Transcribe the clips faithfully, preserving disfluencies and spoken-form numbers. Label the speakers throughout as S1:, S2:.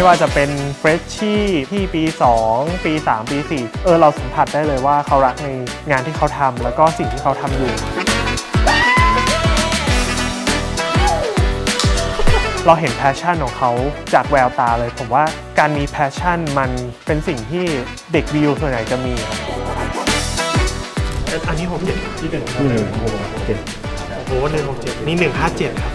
S1: ว่าจะเป็นเฟรชชี่ที่ปีสองปีสามปีสี่เออเราสัมผัสได้เลยว่าเขารักในงานที่เขาทำแล้วก็สิ่งที่เขาทำอยู่เราเห็นแพชชั่นของเขาจากแววตาเลยผมว่าการมีแพชชั่นมันเป็นสิ่งที่เด็กวิวส่วนใหญ่จะมีอันนี้ผมเจ็ดที่หนึ่งครับหนึ่งหกเจ็ดโอ้โหหนึ่งหกเจ็ดนี่หนึ่งห้าเจ็ดครับ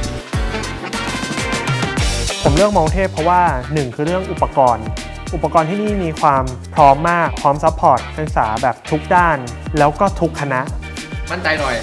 S1: ผมเลือกมองเทพเพราะว่าหนึ่งคือเรื่องอุปกรณ์อุปกรณ์ที่นี่มีความพร้อมมากพร้อมซัพพอร์ตนักศึกษาแบบทุกด้านแล้วก็ทุกคณะ
S2: มั่นใจหน่อย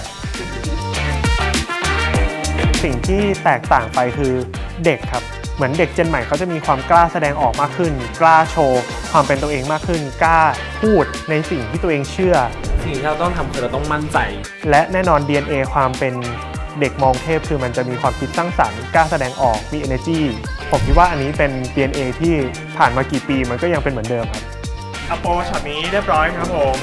S1: สิ่งที่แตกต่างไปคือเด็กครับเหมือนเด็กเจนใหม่เขาจะมีความกล้าแสดงออกมากขึ้นกล้าโชว์ความเป็นตัวเองมากขึ้นกล้าพูดในสิ่งที่ตัวเองเชื่อ
S3: สิ่งที่เราต้องทำคือเราต้องมั่นใจ
S1: และแน่นอน ดี เอ็น เอ ความเป็นเด็กมองเทพคือมันจะมีความคิดสร้างสรรค์กล้าแสดงออกมี energy ผมคิดว่าอันนี้เป็น ดี เอ็น เอ ที่ผ่านมากี่ปีมันก็ยังเป็นเหมือนเดิมครับอโปช็อตนี้เรียบร้อยครับผม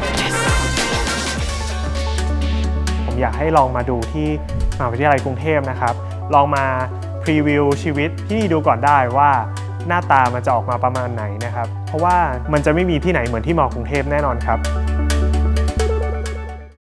S1: ผมอยากให้ลองมาดูที่มหาวิทยาลัยกรุงเทพนะครับลองมาพรีวิวชีวิตที่นี่ดูก่อนได้ว่าหน้าตามันจะออกมาประมาณไหนนะครับเพราะว่ามันจะไม่มีที่ไหนเหมือนที่มอกรุงเทพแน่นอนครับ